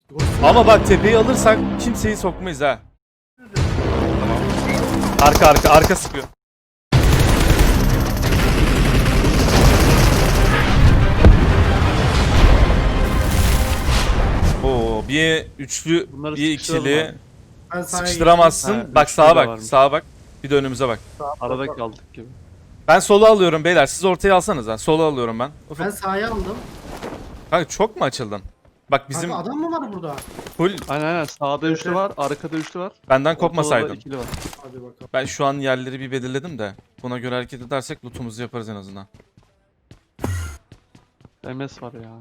Ama bak tepeyi alırsak kimseyi sokmayız ha. Tamam. Arka sıkıyor. Oo, bir üçlü, Bunları bir ikili abi. Ben sahaya sıkıştıramazsın. Ha, Bak üçlü sağa de bak, varmış. sağa bak. Bir de önümüze bak. Arada kaldık gibi. Ben solu alıyorum beyler. Siz ortaya alsanız ha. Solu alıyorum ben. Ufuk. Ben sahaya aldım. Kanka çok mu açıldın? Bak bizim Kanka adam mı var burada? full Aynen sağda üçlü var, arkada üçlü var. benden Ortada da kopmasaydın. ikili var. Hadi bakalım. Ben şu an yerleri bir belirledim de. Buna göre hareket edersek lootumuzu yaparız en azından. MS var ya.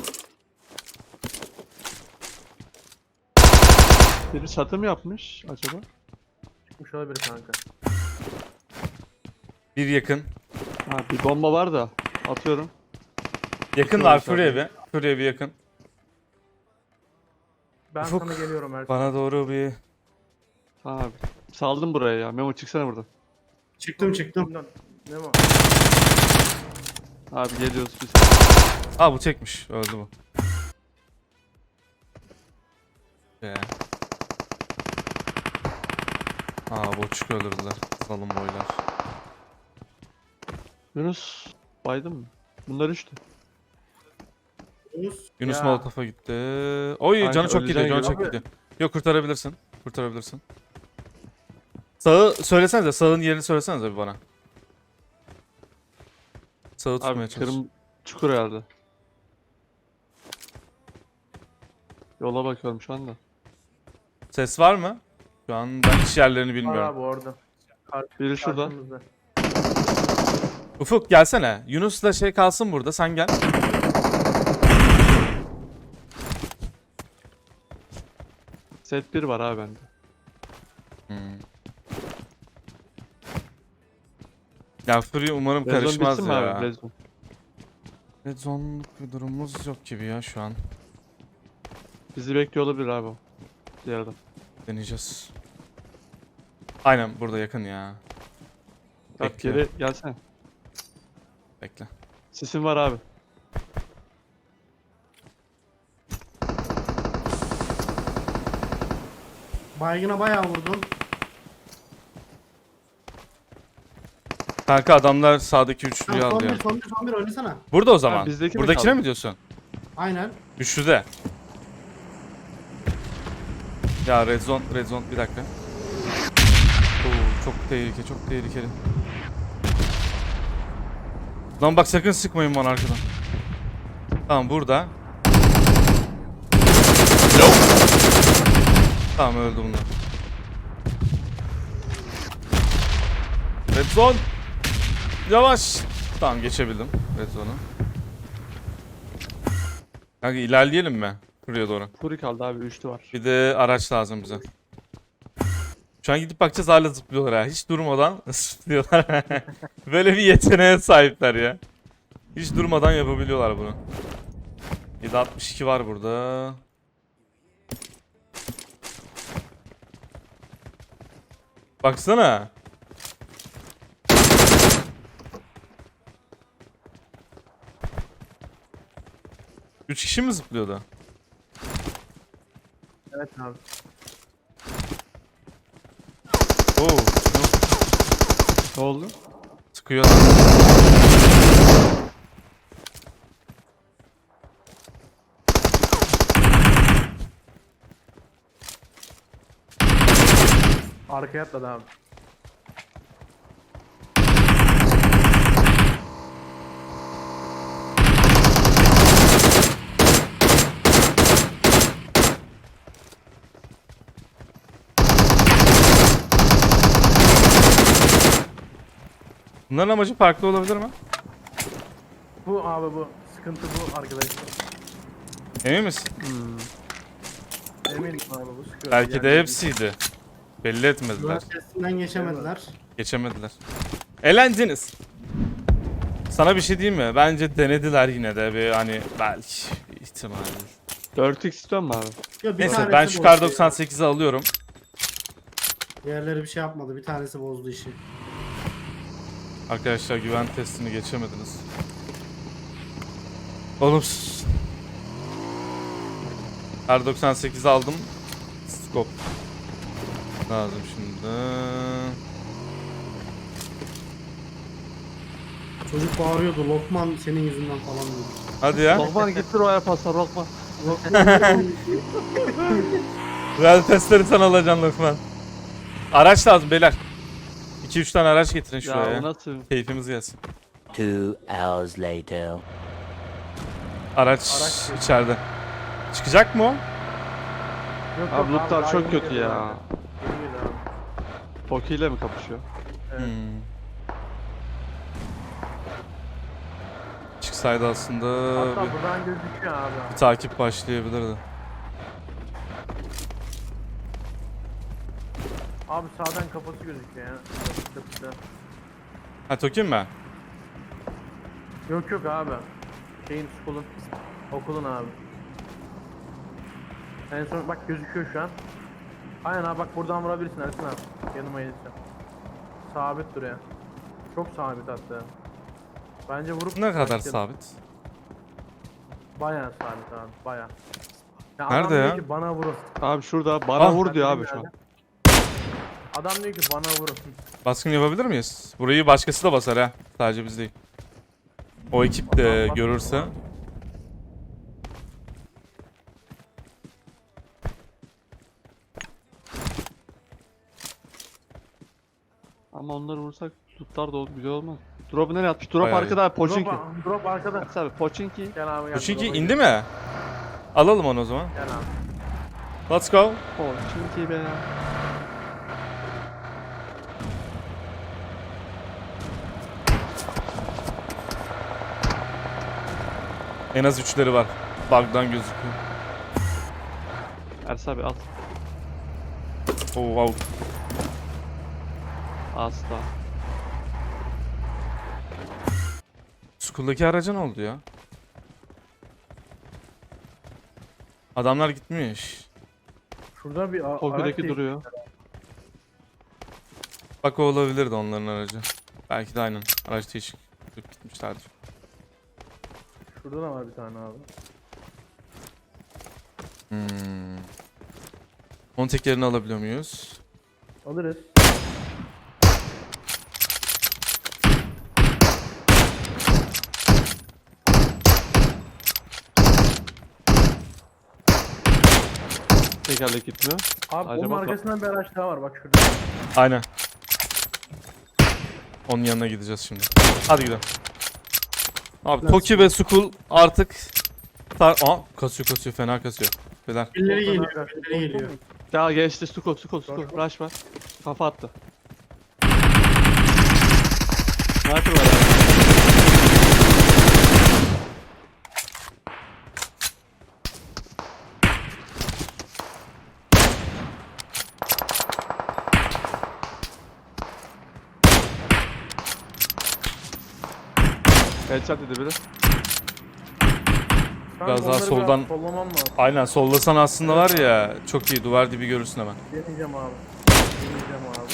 Biri çatı mı yapmış acaba? Çıkmış olabilir kanka. Bir yakın. Ha bir bomba var da atıyorum. Yakın Yok var abi. Fury evi. Fury evi yakın. Ben Ufuk, sana geliyorum her Bana doğru bir... Tamam abi. Saldım buraya ya. Memo çıksana buradan. Çıktım. Ne var? Abi geliyoruz biz. Aa bu tekmiş. Öldü bu. Be. Aa boçuk öldürdüler. Salın boylar. Yunus baydın mı? Bunlar üçtü. Yunus Ya. Molotof'a gitti. Oy Kanka, canı çok gidiyor. öleceksin Canı gibi. çok gidiyor. Yok kurtarabilirsin. Kurtarabilirsin. Sağı söylesenize. Sağın yerini söylesenize bir bana. Sağı tutmaya Abi çalış. kırım çukur herhalde. Yola bakıyorum şu anda. Ses var mı? Şu an ben hiç yerlerini Var bilmiyorum. abi orada. Biri şurada. Karşımızda. Ufuk gelsene. Yunus'la şey kalsın burada. Sen gel. Set 1 var abi bende. Hmm. Ya Fury umarım Red zone karışmaz bitsin mi ya. abi? Red zone. Red zone'luk bir durumumuz yok gibi ya şu an. Bizi bekliyor olabilir abi o. Diğer adam. Deneyeceğiz. Aynen burada yakın ya. Bak Bekliyor. geri gelsene. Bekle. Sisin var abi. Baygına bayağı vurdum. Kanka adamlar sağdaki üçlüyü Tamam, aldı ya. son bir oynasana. Burada o zaman. bizdeki mi Buradakine kaldı? mi diyorsun? Aynen. Üçlüde. Ya red zone bir dakika. Oo, çok tehlikeli. Lan bak sakın sıkmayın bana arkadan. Tamam burada. Tamam öldü bunlar. Red zone. Yavaş. Tamam geçebildim red zone'u. Kanka ilerleyelim mi? Buraya doğru. Furi kaldı abi üçlü var. Bir de araç lazım bize. Şu an gidip bakacağız hala zıplıyorlar ha. Hiç durmadan zıplıyorlar. Böyle bir yeteneğe sahipler ya. Hiç durmadan yapabiliyorlar bunu. 762 var burada. Baksana. Üç kişi mi zıplıyordu? Evet abi. Oo, Ne oldu? sıkıyor. Arkaya atladı abi. Bunların amacı farklı olabilir mi? Bu abi bu. Sıkıntı bu arkadaşlar. Emin misin? Eminim abi bu sıkıyor. Belki de Yani hepsiydi. Belli etmediler. Güven testinden geçemediler. Geçemediler. Elendiniz. Sana bir şey diyeyim mi? Bence denediler yine de bir hani belki bir ihtimal. 4x istiyor mu abi? Yo, bir Neyse tanesi ben şu bozdu kar ya. 98'i alıyorum. Diğerleri bir şey yapmadı. Bir tanesi bozdu işi. Arkadaşlar güven testini geçemediniz. Oğlum R98 aldım. Scope. Lazım şimdi. Çocuk bağırıyordu. Lokman senin yüzünden falan diyor. Hadi ya. Lokman gittir o paslar Lokman. Real testleri sen alacaksın Lokman. Araç lazım beyler. 2-3 tane araç getirin şuraya. Ya bu nasıl? Keyfimiz gelsin. 2 hours later. Araç içeride. Çıkacak mı o? Yok, Abi yok lootlar daha çok yeni kötü geliyor ya. abi. Yeni geliyor abi. Poki ile mi kapışıyor? Evet. Hmm. Çıksaydı aslında Hatta bir buradan gözüküyor abi. takip başlayabilirdi. Abi sağdan kafası gözüküyor ya. Çatıda. Ha Tokin mi? Yok yok abi. Şeyin okulun. Okulun abi. En son bak gözüküyor şu an. Aynen abi bak buradan vurabilirsin Ersin abi. Yanıma gelirsen. Sabit duruyor. Çok sabit hatta. Bence vurup Ne kadar başlayalım. sabit? Bayağı sabit abi bayağı. Ya Nerede adam diyor ya? ki bana vurun. Abi şurada bana Ah. vur diyor abi şu an. Adam diyor ki bana vurun. Baskın yapabilir miyiz? Burayı başkası da basar ha. Sadece biz değil. O ekip de Adam görürse. Ama onları vursak lootlar da güzel olmaz. Drop'u nereye atmış? Drop Bayağı arkada abi Pochinki. Drop arkada. Ersin abi Pochinki. Gel abi gel. Çünkü drop'a indi gel. mi? Alalım onu o zaman. Gel abi. Let's go. Pochinki be. En az 3'leri var. Bug'dan gözüküyor. Ersin abi at. Oh wow. Asla. School'daki araca ne oldu ya? Adamlar gitmiş. Şurada bir araç Poki'deki değil. duruyor. Bak o olabilirdi onların aracı. Belki de aynen. Araç değişik. Gitmişlerdir. Şurada da var bir tane abi. Onun tekerini alabiliyor muyuz? Alırız. Tekerlek gitmiyor. Abi Acaba onun arkasından bir araç daha var bak şurada. Aynen. Onun yanına gideceğiz şimdi. Hadi gidelim. Abi Toki ve Skull artık kasıyor fena kasıyor. Beyler. Birileri Oradan geliyor. araç. Birileri geliyor. Ya geçti Stuko. Rush var. Kafa attı. Sniper var abi. Headshot dedi biri. Kanka Biraz daha onları soldan- sollamam lazım. Aynen sollasan aslında var ya çok iyi duvar dibi görürsün hemen. Deneyeceğim abi. Deneyeceğim abi.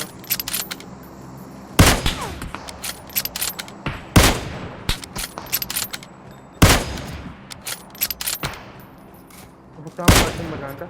Ufuktan bıraktın mı kanka?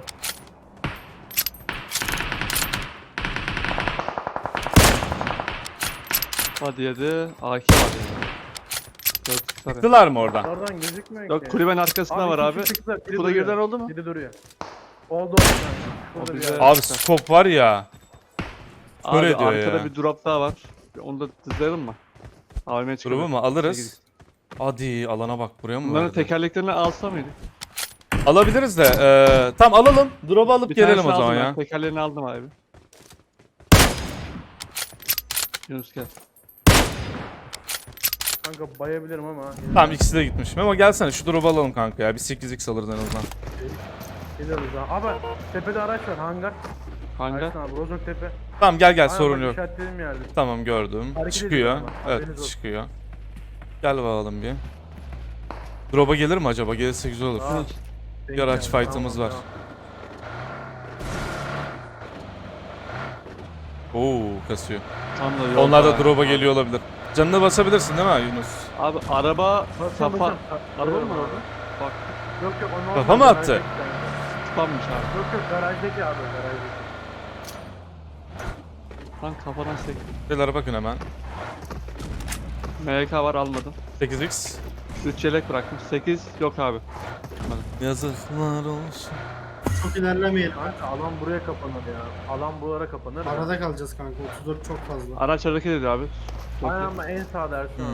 Hadi yedi. AK var yani. Dört sarı. Çıktılar mı oradan? Oradan gözükmüyor Yok ki. kulübenin arkasında var iki abi. kişi çıktı, biri Kuda duruyor. girden oldu mu? Biri duruyor. Oldu kanka. Şurada O bir bize- yer. Abi scope var ya. Abi Öyle diyor arkada ya. bir drop daha var. Onu da dizleyelim mi? AVM'ye çıkalım. Grubu mu alırız? Hadi alana bak buraya mı Bunların verdi? tekerleklerini alsa mıydık? Alabiliriz de tam alalım. Drop'u alıp Bir gelelim tanesini o zaman aldım ben, ya. Tekerlerini aldım abi. Yunus gel. Kanka bayabilirim ama. Tamam ikisi de gitmiş. Memo gelsene şu drop'u alalım kanka ya. Bir 8x alırız en azından. Geliyoruz ha. Abi tepede araç var hangar. Hangi? Ersin abi Rozok tepe. Tamam gel Aynen, sorun bak yok. işaretlediğim yerde. Tamam gördüm. Hareket Çıkıyor. ediyor ama, haberiniz Evet olsun. çıkıyor. Gel bakalım bir. Drop'a gelir mi acaba? Gelirse güzel olur. Aa, Bir araç Tamam, fight'ımız var. tamam. Oo kasıyor. Tam da yolda. Onlar da drop'a geliyor olabilir. Canına basabilirsin değil mi Yunus? Abi araba Basın, kafa. basın. Araba mı Basın. var orada? Bak. Yok yok onu Kafa mı olmadı, attı? ben tek spammış abi. Yok yok garajdaki abi garajdaki. Lan kafadan sek. Beyler bakın hemen. MK var almadım. 8x. 3 yelek bıraktım. 8 yok abi. Yazıklar olsun. Çok ilerlemeyelim. Kanka alan buraya kapanır ya. Alan buralara kapanır. Arada kalacağız kanka. 34 çok fazla. Araç hareket ediyor abi. Aynen ama en sağda Ersin abi.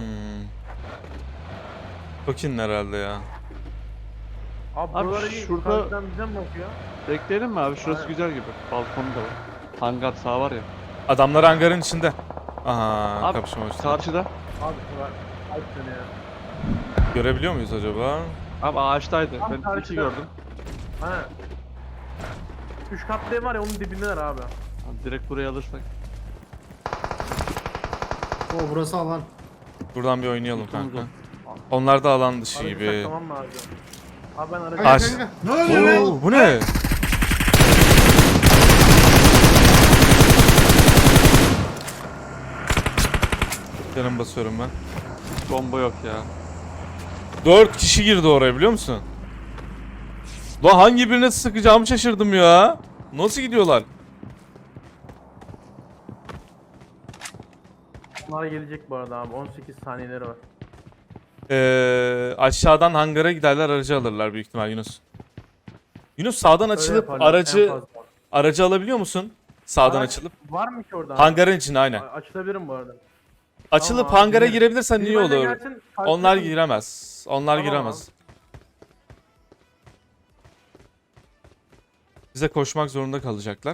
Tokin herhalde ya. Abi Abi buralara iyi. şurada- Karşıdan bize mi bakıyor? Bekleyelim mi abi? Şurası Aynen. güzel gibi. Balkonu da var. Hangar sağ var ya. Adamlar hangarın içinde. Aha Abi, kapışma başladı. Karşıda. Abi şu var. Ay seni ya. Görebiliyor muyuz acaba? Abi ağaçtaydı. Tam Ben iki karşıda. gördüm. Aynen. 3 katlı ev var ya onun dibindeler abi. Abi direkt buraya alırsak. O burası alan. Buradan bir oynayalım Tutumuz kanka. o. Onlar da alan dışı Aracı gibi. saklamam lazım. Abi ben aracı... Kanka Aç. kanka. Ne oluyor be? Oo, bu ne? Canım basıyorum ben. Bomba yok ya. 4 kişi girdi oraya biliyor musun? Lan hangi birine sıkacağımı şaşırdım ya. Nasıl gidiyorlar? Bunlar gelecek bu arada abi. 18 saniyeleri var. Aşağıdan hangara giderler aracı alırlar büyük ihtimal Yunus. Yunus sağdan Öyle açılıp yaparlar, en aracı fazla. alabiliyor musun? Sağdan Araç açılıp. Var mı ki orada? abi? Hangarın içine aynen. Açılabilirim bu arada. Açılıp Tamam, hangara girelim. girebilirsen iyi Biri benimle olur. gelsin, karşıda Onlar kalın. giremez. Onlar Tamam giremez. Bize koşmak zorunda kalacaklar.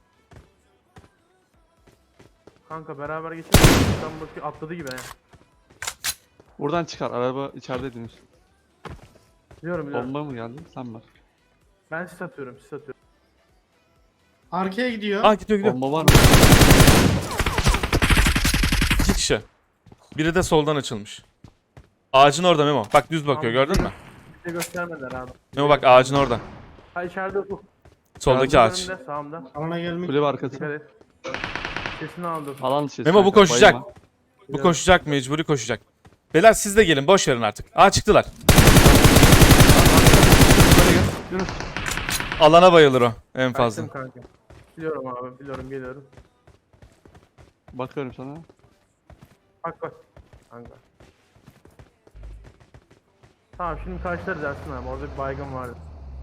Kanka beraber geçelim. Sen bakıyor atladı gibi he. Buradan çıkar. Araba içerideydiniz. Biliyorum biliyorum. Bomba mı geldi? Sen var. Ben sis atıyorum sis atıyorum. Arkaya gidiyor. Ah gidiyor gidiyor. Bomba var mı? 2 kişi. Biri de soldan açılmış. Ağacın orada Memo. Bak düz bakıyor Tamam, gördün mü? Bize göstermediler abi. Memo bak ağacın orada. Ha içeride ufuk. Soldaki ağaç. Önümde, sağımda. Alana gelmek. Kulübe arkası. Dikkat et. Sesini aldım. Alan dışı. Memo bu kanka, koşacak. bayılma. Bu koşacak mecburi koşacak. Beyler siz de gelin boş verin artık. Aa çıktılar. Yunus. Alana bayılır o en fazla. Kaçtım kanka. Biliyorum abi biliyorum geliyorum. Bakıyorum sana. Bak bak. Kanka. Tamam şimdi karşılarız Ersin abi. Orada bir baygın vardı.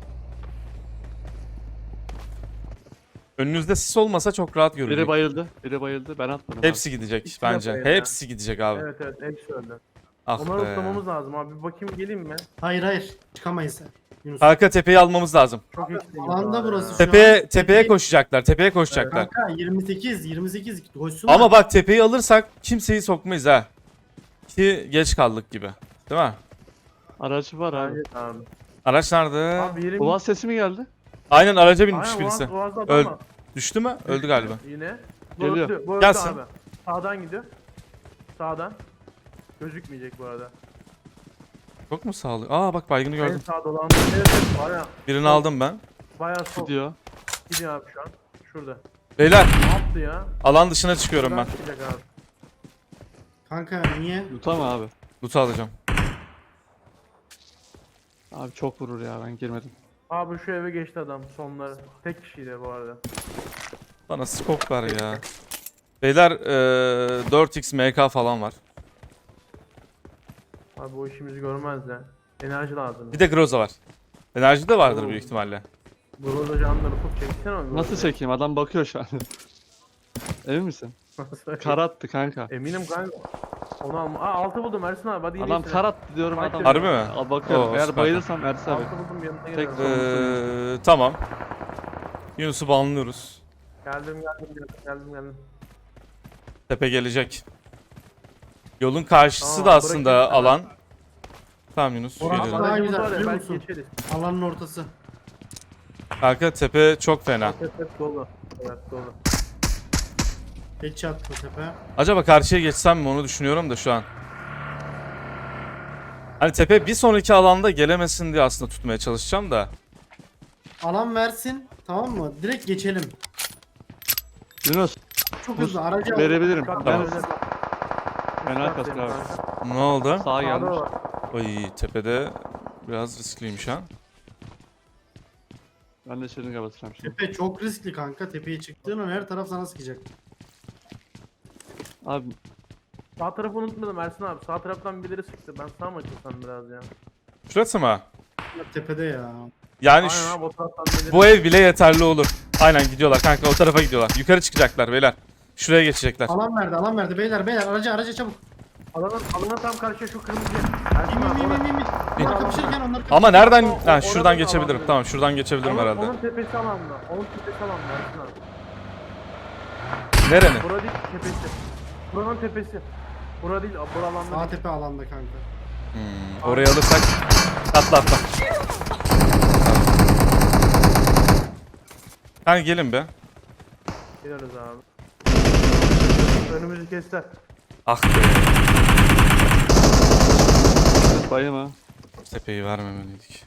Önünüzde sis olmasa çok rahat Biri görünecek. bayıldı. Biri bayıldı. Ben atmadım. Hepsi gidecek İkisi de bence. bayıldı. Hepsi gidecek abi. Evet evet hepsi öldü. Ah Onları be. tutmamız lazım abi. Bir bakayım geleyim mi? Hayır hayır. Çıkamayız. Yunus. Kanka tepeyi almamız lazım. Çok eksiğim alanda var burası ya. şu an. Tepeye koşacaklar. Tepeye koşacaklar. Kanka 28 koşsun. Ama bak tepeyi alırsak kimseyi sokmayız ha. Ki geç kaldık gibi. Değil mi? Aracı var abi. Evet abi. Araç nerede? Abi yerim... Ulan sesi mi geldi? Aynen araca binmiş Aynen, birisi. Boğaz'da Öl- adam var. Düştü mü? Öldü galiba. Yine. Bu Geliyor. öldü, bu öldü Gelsin. abi. Sağdan gidiyor. Sağdan. Gözükmeyecek bu arada. Çok mu sağlı? Aa bak baygını En gördüm. sağ dolandı. Evet evet baya Birini aldım ben. baya sol. Gidiyor. Gidiyor abi şu an. Şurada. Beyler Ne yaptı ya? alan dışına çıkıyorum ben. Buradan çıkacak abi. Kanka niye? Yutam abi. Loot'u alacağım. Abi çok vurur ya ben girmedim. Abi şu eve geçti adam sonları. Tek kişiydi bu arada. Bana scope ver ya. Beyler 4x MK falan var. Abi bu işimizi görmez de. Enerji lazım. Bir de Groza var. Enerji de vardır Oo. büyük ihtimalle. Burada canları çok çeksene abi. Nasıl çekeyim? Adam bakıyor şu an. Emin misin? Nasıl? Kar attı kanka. Eminim kanka. Onu alma. Aa 6 buldum Ersin abi hadi Adam iyisin. kar attı diyorum Bak adam. Harbi mi? Al bakıyorum. Oo, Eğer süper. bayılırsam Ersin abi. 6 buldum yanına Tek- geliyorum. Tamam. Yunus'u banlıyoruz. Geldim. Tepe gelecek. Yolun karşısı Tamam, da aslında bırakayım sana. alan. Tamam Yunus. Orası geliyorum. daha Aracımız güzel, var ya biliyor belki musun? geçeriz. Alanın ortası. Kanka tepe çok fena. Evet dolu. Evet dolu. Headshot bu tepe. Acaba karşıya geçsem mi onu düşünüyorum da şu an. Hani tepe bir sonraki alanda gelemesin diye aslında tutmaya çalışacağım da. Alan versin. Tamam mı? Direkt geçelim. Yunus Çok Dur, hızlı. Aracı al. verebilirim. Kat Tamam. öyle. Fena Kat kasıyor abi. kanka. Ne oldu? Sağa Sağda gelmiş. var. Ay tepede biraz riskliymiş ha. Ben de şırınga basacağım şimdi. Tepe çok riskli kanka. Tepeye çıktığın an her taraf sana sıkacak. Abi Sağ tarafı unutmadım Ersin abi. Sağ taraftan birileri sıktı. Ben sağ mı açılsam biraz ya? Şurası mı? Tepede ya. Yani Aynen abi o taraftan birileri. bu ev bile yeterli olur. Aynen gidiyorlar kanka, o tarafa gidiyorlar. Yukarı çıkacaklar beyler. Şuraya geçecekler. Alan verdi beyler beyler araca çabuk. Alana tam karşıya şu kırmızı. Bin Ersin abi orası. bin. Onlar kapışırken onlar Ama nereden? O- Ha, oradan şuradan da geçebilirim. alan Tamam, şuradan geçebilirim Onun, herhalde. onun tepesi alanda. Onun tepesi alanda Ersin abi. Nerenin? Bura değil tepesi. Buranın tepesi. Bura değil, bura alanda Sağ değil. tepe alanda kanka. Oraya alırsak atla. Kanka gelin be. Gideriz abi. Önümüzü kestiler. Ah be. bayım ha. Tepeyi vermemeliydik.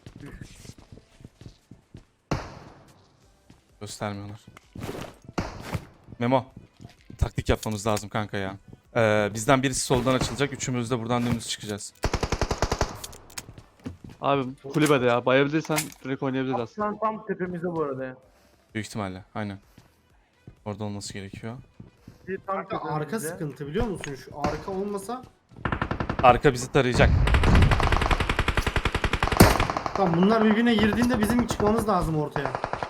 Göstermiyorlar. Memo. Taktik yapmamız lazım kanka ya. Bizden birisi soldan açılacak. Üçümüz de buradan dümdüz çıkacağız. Abi kulübede ya. Bayabilirsen direkt oynayabiliriz aslında. Şu an tam tepemizde bu arada ya. Büyük ihtimalle. Aynen. Orada olması gerekiyor. Bir tam Kanka arka tepemizde. sıkıntı biliyor musun? Şu arka olmasa Arka bizi tarayacak. tamam bunlar birbirine girdiğinde bizim çıkmamız lazım ortaya.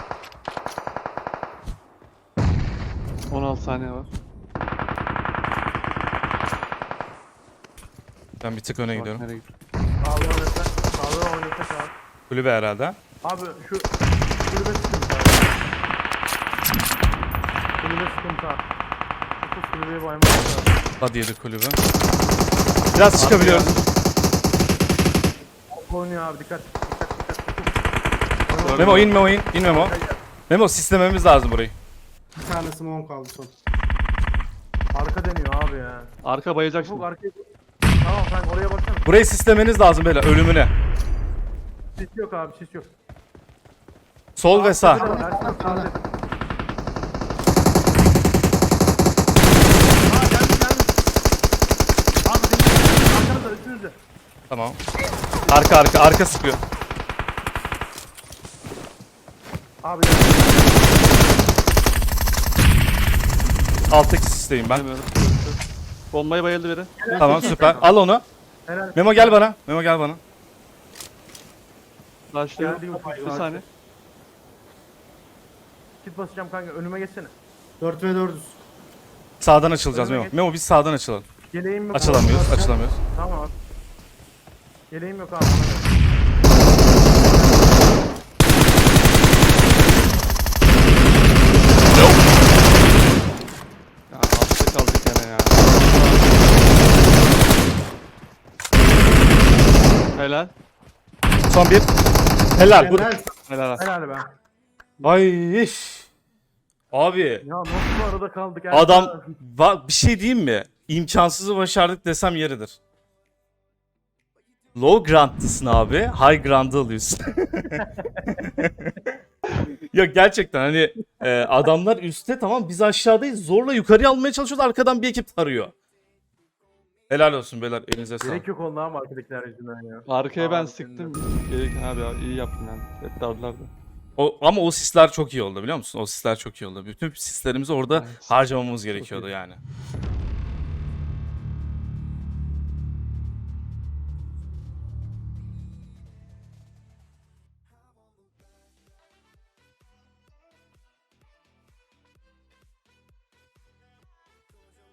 16 saniye var. Ben bir tık öne Bak gidiyorum. nereye gidiyor. Sağlığı oynasak. Sağlığı oynasak abi. Kulübe herhalde. Abi şu kulübe sıkıntı abi. Kulübe sıkıntı abi. Şu kulübeye baymak lazım. Hadi yedi kulübe. Biraz çıkabiliyoruz. Oynuyor abi dikkat. Memo in Memo in. İn Memo. Memo sistememiz lazım burayı. Bir tane smoke kaldı son. Arka deniyor abi ya. Arka bayacak Ufuk şimdi. arkaya. Tamam sen oraya baksana. Burayı sistemeniz lazım beyler, ölümüne. Sis yok abi sis yok. Sol ve sağ. Ersin abi, Sağda. geldi. Abi benim arkanızda üstünüzde. Tamam. Arka sıkıyor. Abi geldi. Alttaki sisteyim ben. Bilmiyorum. Bombayı bayıldı biri. Tamam süper. Al onu. Helal. Memo gel bana. Memo gel bana. Başlıyor. Geldi Ufuk. Bir saniye. Kit basacağım kanka önüme geçsene. 4 ve 4'üz. Sağdan açılacağız Memo. Memo biz sağdan açılalım. Yeleğim yok. Açılamıyoruz, abi. açılamıyoruz. Tamam abi. Yeleğim yok abi. Ya altta kaldık gene ya. Helal. Son bir. Helal. Bu... Helal. Helal. Helal be. Ay iş. Abi Ya nasıl bu arada kaldık? adam bir şey diyeyim mi? İmkansızı başardık desem yeridir. Low grant'lısın abi. High grant'ı alıyorsun. Ya gerçekten hani adamlar üstte, tamam biz aşağıdayız. Zorla yukarıya almaya çalışıyoruz. Arkadan bir ekip tarıyor. Helal olsun beyler. Elinize sağlık. Gerek yok oldu ama arkadakiler yüzünden ya. Arkaya ben Abi, sıktım. Gerek abi ya iyi yaptın yani. Hep dardılar da. Ama o sisler çok iyi oldu biliyor musun? O sisler çok iyi oldu. Bütün sislerimizi orada Evet. harcamamız gerekiyordu yani.